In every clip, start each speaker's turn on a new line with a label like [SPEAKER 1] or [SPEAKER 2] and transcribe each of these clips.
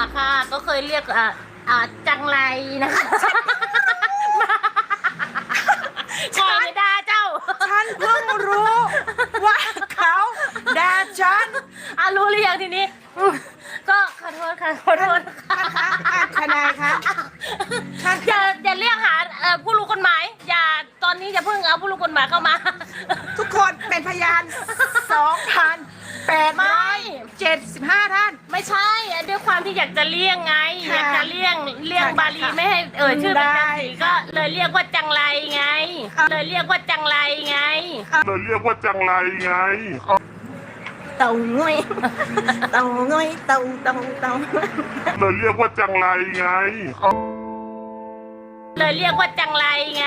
[SPEAKER 1] ค่ะก็เคยเรียกจังไรนะคะคอยไม่ด่าเจ้า
[SPEAKER 2] ฉันเพิ่งรู้ว่าเขาด่าฉัน
[SPEAKER 1] รู้หรือยังทีนี้ก็ขอโทษค่ะขอโทษ
[SPEAKER 2] ทนายคะ
[SPEAKER 1] อย่าเรียกหาผู้รู้กฎหมายอย่าตอนนี้อย่าเพิ่งเอาผู้รู้กฎหมายเข้ามา
[SPEAKER 2] ทุกคนเป็นพยาน 2,875 ท่าน
[SPEAKER 1] ไม่ใช่ด้วยความที่อยากจะเลี่ยงไงอยากจะเลี่ยงบาลีไม่ให้ชื่อเป็นจันสีก็เลยเรียกว่าจังไรไงเลยเรียกว่าจังไรไงเต่าง่อยเต่าง่อยเต่า
[SPEAKER 3] เลยเรียกว่าจังไรไง
[SPEAKER 1] เลยเรียกว่าจังไรไง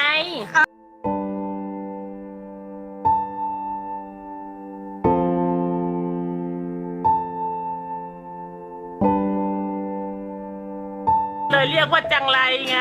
[SPEAKER 1] เลยเรียกว่าจังไรไง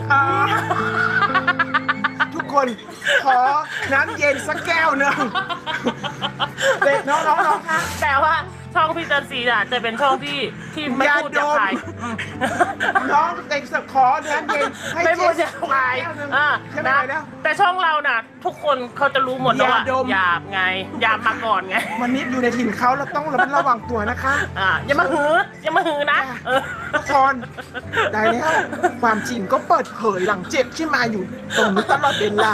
[SPEAKER 2] ทุกคนขอน้ำเย็นสักแก้วหนึ่งน้องคะ
[SPEAKER 1] แต่ว่าช่องพี่จันทรีน่ะจะเป็นช่องที่ไม่พูดหยาบคาย
[SPEAKER 2] น้องเด็กสักขอน้ำเย็น
[SPEAKER 1] ไม่พูดหยาบคายนะแต่ช่องเราน่ะทุกคนเขาจะรู้หมดว่าหยาบไงหยาบมาก่อนไง
[SPEAKER 2] วันนี้อยู่ในถิ่นเขาเราต้องระวังตัวนะคะ
[SPEAKER 1] อย่ามาหือนะ
[SPEAKER 2] ทุกคนได้แล้วความจริงก็เปิดเผยหลังเจ็บที่มาอยู่ตรงนี้ตลอดเวลา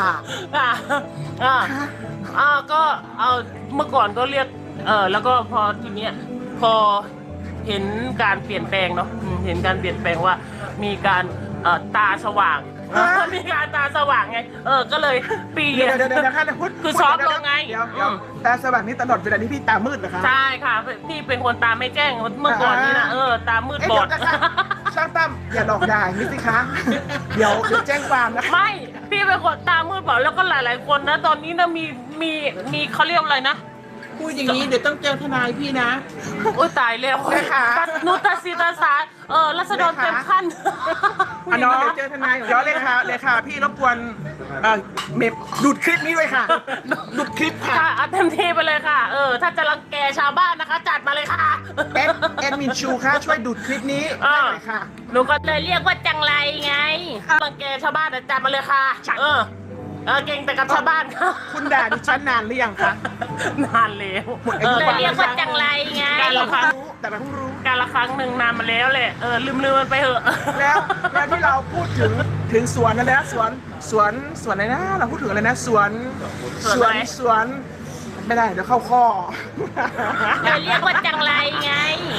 [SPEAKER 1] ก็เอาเมื่อก่อนก็เรียกแล้วก็พอทีเนี้ยพอเห็นการเปลี่ยนแปลงเนาะเห็นการเปลี่ยนแปลงว่ามีการตาสว่างมีการตาสว่างไงก็เลยปี
[SPEAKER 2] เดี๋ยว
[SPEAKER 1] คือซอฟลงไง
[SPEAKER 2] ตาสว่างนี่ตลอดเวลาที่พี่ตามืดเหรอคะ
[SPEAKER 1] ใช่ค่ะพี่เป็นคนตาไม่แจ้งเมื่อก่อนนี่นะตามืดบอด
[SPEAKER 2] ช่างตั้มอย่าหลอกด่ามิสิคะเดี๋ยวแจ้งความนะ
[SPEAKER 1] ไม่พี่เป็นคนตามืดบอดแล้วก็หลายๆคนนะตอนนี้นะมีเขาเรียกอะไรนะ
[SPEAKER 2] พูดอย่างนี้เดี๋ยวต้องเจอทนายพี่นะ
[SPEAKER 1] โอ้ตายแล้วนุตสีตาสารัศดรเต็มขั้น
[SPEAKER 2] น้องเดี๋ยวเจอทนายเดี๋ยวเลยค่ะพี่รบกวนเมมดูดคลิปนี้ด้วยค่ะดูดคลิปค่ะ
[SPEAKER 1] เต็มที่ไปเลยค่ะถ้าจะรังแกชาวบ้านนะคะจัดมาเลยค่ะ
[SPEAKER 2] แอดมินชูค่ะช่วยดูดคลิปนี้ได้เลยค่ะ
[SPEAKER 1] หนูก็เลยเรียกว่าจังไรไงรังแกชาวบ้านจัดมาเลยค่ะเก่งแต่กับชาวบ้านค่ะ
[SPEAKER 2] คุณด่าดิฉันนานหรือยังคะ
[SPEAKER 1] นานแล้วเลยเรียกว่าจังไรไง
[SPEAKER 2] การละครั้งแต่เราเพิ่งรู้
[SPEAKER 1] การละครั้งหนึ่งนานมาแล้วแหละลืมมันไปเถอะ
[SPEAKER 2] แล้วที่เราพูดถึงสวนนั่นแหละสวนอะไรนะเราพูดถึงอะไรนะสวนไม่ได้เดี๋ยวเข้าข้อ
[SPEAKER 1] เลยเรียกว่าจังไรไง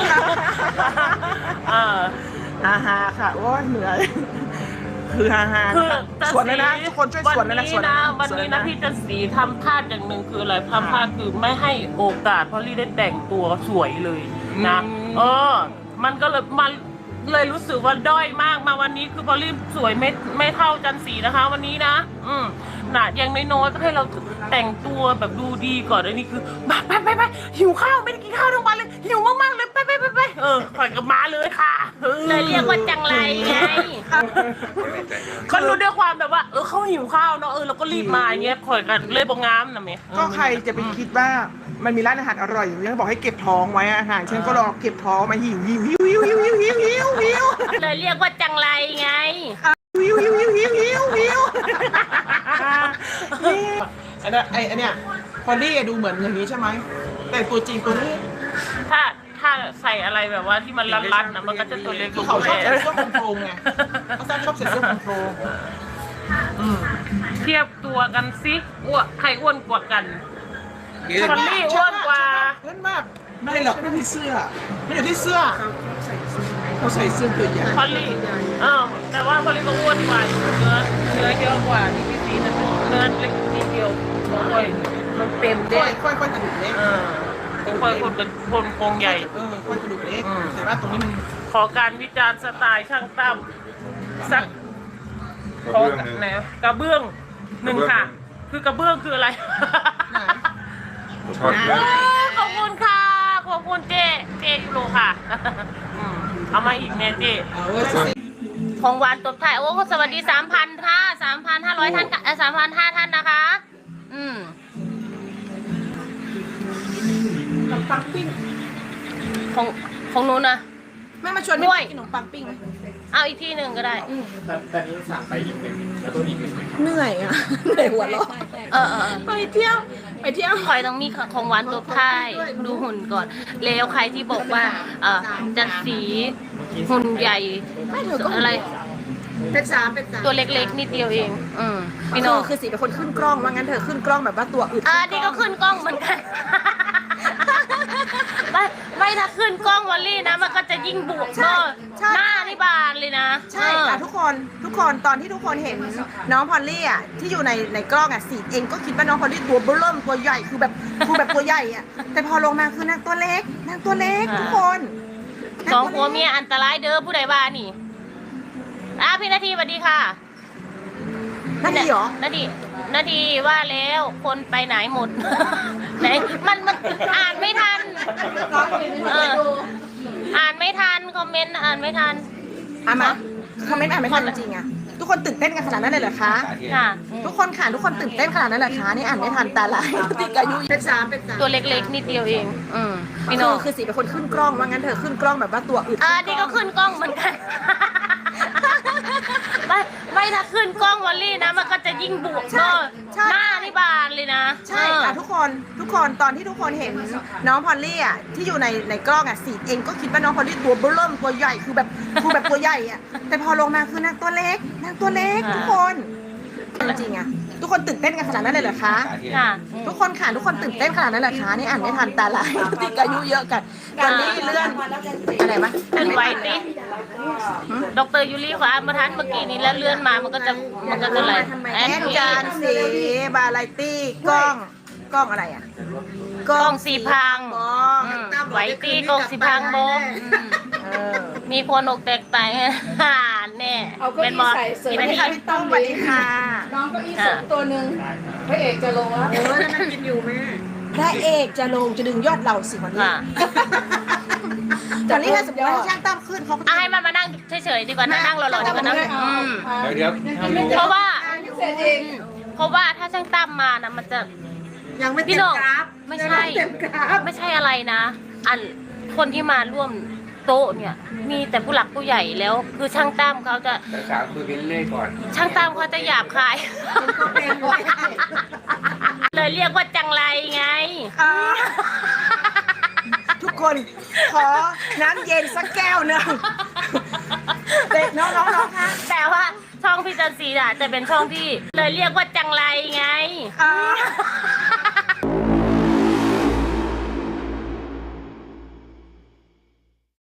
[SPEAKER 2] ค่ะโอ้ยเหนื่อยคือสวนเลยนะทุกคนช่วยสวนเลยนะ
[SPEAKER 1] วันนี้นะพี่จันทรีทำพลาดอย่างหนึ่งคืออะไรทำพลาดคือไม่ให้โอกาสพอลลี่ได้แต่งตัวสวยเลยนะมันก็เลยรู้สึกว่าด้อยมากมาวันนี้คือพอลลี่สวยไม่เท่าจันทรีนะคะวันนี้นะอย่างน้อยๆก็ให้เราแต่งตัวแบบดูดีก่อนอันนี้คือไปหิวข้าวไม่ได้กินข้าวทั้งวันเลยหิวมากๆเลยไปข่อยกับมาเลยค่ะเลยเรียกว่าจังไรไงก็รู้ด้วยความแบบว่าเขาหิวข้าวเนาะเราก็รีบมาอย่างเงี้ยข่อยกันเลยบอกงามนะเมย์
[SPEAKER 2] ก็ใครจะไปคิดว่ามันมีร้านอาหารอร่อยอยู่ยังบอกให้เก็บท้องไว้อาหารฉันก็รอเก็บท้องมาหิว
[SPEAKER 1] เลยเรียกว่าจังไรไง
[SPEAKER 2] อันเนี้ยพอลลี่ดูเหมือนอย่างนี้ใช่ไหมแต่ตัวจริงตัวนี้
[SPEAKER 1] ถ้าใส่อะไรแบบว่าที่มันรัดๆนะมันก็จะตัวเล็ก
[SPEAKER 2] เขาชอบใส่เสื้อคอนโทรลไงเขาชอบใส่เสื้อคอนโทรล
[SPEAKER 1] เทียบตัวกันสิใครอ้วนกว่ากันพอลลี่อ้วนกว่า
[SPEAKER 2] เพื่อนมากไม่หรอกไม่มีเสื้อไม่อยู่ที่เสื้อเขาใส่เสื้อตัวใหญ่
[SPEAKER 1] พอลลี่แต่ว่าพอลลี่ก็อ้วนกว่าเนื้อเยอะกว่าที่พี่ซีนะเนื้อเล็กนิดเดียวมันเต็มได้
[SPEAKER 2] ค่อยกระดูกเล็ก
[SPEAKER 1] ค่อยคนโครงใหญ่
[SPEAKER 2] ค่อยกระดูกเล็กแต่ว่าตรงนี้มัน
[SPEAKER 1] ขอการวิจารณ์สไตล์ช่างตั้มสักขอไหนกระเบื้องหนึ่งค่ะคือกระเบื้องคืออะไรขอบคุณค่ะขอบคุณเจ๊ยูโรค่ะเอามาอีกแม่เจ๊ของหวานตบท้ายโอ้สวัสดี 3,000 ค่ะ 3,500 ท่าน3,500 ท่านนะคะ
[SPEAKER 2] ปังปิ้ง
[SPEAKER 1] ของหนูนะ
[SPEAKER 2] แม่มาชวน
[SPEAKER 1] ด้วย
[SPEAKER 2] กินขนมปังปิ้งไหม
[SPEAKER 1] เอาอีกที่หนึ่งก็ได้
[SPEAKER 4] แต่นี้สั่งไปอีกหนึ่งแล้วตัวอีกหนึ่งไหม
[SPEAKER 2] เหนื่อยอ่ะเหนื่อยหัวเราะ ไปเที่ยวไปเที่ยว
[SPEAKER 1] คอยต้องมีของหวานตัวค่ายดูหุ่นก่อน แล้วใครที่บอกว่าจะสีหุ่นใหญ่
[SPEAKER 2] ไม่เธอก็
[SPEAKER 1] อะไร
[SPEAKER 2] เป็นสาม
[SPEAKER 1] ตัวเล็กๆนิดเดียวเองพี่น้อง
[SPEAKER 2] คือสีเป็นคนขึ้นกล้องว่างั้นเธอขึ้นกล้องแบบว่าตัวอึด
[SPEAKER 1] นี่ก็ขึ้นกล้องเหมือนกัน ไม่ถ้าขึ้นกล้องวอลลี่นะ มันก็จะยิ่งบวกเนอะหน้านี่บานเลยนะ
[SPEAKER 2] ใช่ค่ะทุกคนตอนที่ทุกคนเห็นน้องพอลลี่อ่ะที่อยู่ในกล้องอ่ะสีเองก็คิดว่าน้องพอลลี่ตัวเบิ่มตัวใหญ่คือแบบตัวใหญ่อ่ะแต่พอลงมาคือนางตัวเล็กทุกคน
[SPEAKER 1] สองผัวเมียอันตรายเด้อผู้ใดบ้านี่พี่นาทีสวัสดีค่ะ
[SPEAKER 2] นั่นดีเหรอ
[SPEAKER 1] นาทีว่าแล้วคนไปไหนหมด ไหนมันอ่านไม่ทันอ่านไม่ทันคอมเมนต์อ่านไม่ทัน
[SPEAKER 2] มาคอมเมนต์อ่านไม่ทันจริงอ่ะทุกคนตื่นเต้นกันขนาดนั้นเลยเหรอคะ
[SPEAKER 1] ค่ะ
[SPEAKER 2] ทุกคนตื่นเต้นขนาดนั้นเหรอคะนี่อ่านไม่ทันตาลายติดอายุเป็นสาม
[SPEAKER 1] ตัวเล็กๆนิดเดียวเองพี่น้อง
[SPEAKER 2] คือสีเป็นคนขึ้นกล้องว่างั้นเธอขึ้นกล้องแบบว่าตัวอึด
[SPEAKER 1] นี่ก็ขึ้นกล้องเหมือนกัน ไม่ถ้าขึ้นกล้องวอลลี่นะ มันก็จะยิ่งบวกเนอะหน้านี่บานเลยนะ
[SPEAKER 2] ใช่ค่ะทุกคนตอนที่ทุกคนเห็นน้องพอลลี่อ่ะที่อยู่ในกล้องอ่ะสีเองก็คิดว่าน้องพอลลี่ตัวเบิ่มตัวใหญ่คือแบบตัวใหญ่อ่ะแต่พอลงมาคือนางตัวเล็กทุกคนจริงอ่ะทุกคนตื่นเต้นกันขนาดนั้นเลยเหรอคะ
[SPEAKER 1] ค่ะ
[SPEAKER 2] ทุกคนตื่นเต้นขนาดนั้นเหรอคะนี่อ่านไม่ทันตาลายติดอายุเยอะกันตอนนี้เลื่อนอะไรมะ
[SPEAKER 1] เป็นไวติดรยูรี่ขออ่านมาทันเมื่อกี้นี้แล้วเลื่อนมามันก็จะอะไร
[SPEAKER 2] แอดจานสีบาลตี้กล้องอะไรอ่ะ
[SPEAKER 1] กล้องสีพัง
[SPEAKER 2] กล้อง
[SPEAKER 1] ไวตีกล้องสีพังโบมีคนอกแตกตายแน่เป็นบอลกี่นาที
[SPEAKER 2] พี่ต้อมสวัสดีค่ะ
[SPEAKER 5] น้องเก็อีสุดตัวหนึ่งพระเอกจะลงแล้ว
[SPEAKER 2] นั่งกินอยู่แม่พระเอกจะลงจะดึงยอดเราสิวันนี้ตอนนี้ถ้าสมมติว่าช่างตั้มขึ้นเขาก็
[SPEAKER 1] ให้มันมานั่งเฉยๆดีกว่านั่งรอๆดีกว่านะ
[SPEAKER 4] เดี๋ยว
[SPEAKER 1] เพราะว่า
[SPEAKER 5] เสร็จเอง
[SPEAKER 1] ถ้าช่างตั้มมานะมันจะ
[SPEAKER 2] ยังไม่
[SPEAKER 1] พี่
[SPEAKER 2] เต็ม
[SPEAKER 1] น้อง
[SPEAKER 2] กราฟ
[SPEAKER 1] ไม่ใช่ไม่ใช่อะไรนะ คนที่มาร่วมโต๊ะเนี่ย มีแต่ผู้หลักผู้ใหญ่แล้ว คือช่างตั้มเขาจะ
[SPEAKER 4] แต่สาวคุยกันเรื่อยก่อน
[SPEAKER 1] ช่างตั้มเขาจะหยาบคาย เลยเรียกว่าจังไรไง
[SPEAKER 2] ทุกคนขอน้ำเย็นสักแก้วหนึ่งเด็กน้องๆค่ะ
[SPEAKER 1] แต่ว่าช่องพี่จันทร์ศรีจะเป็นช่องที่เลยเรียกว่าจังไรไง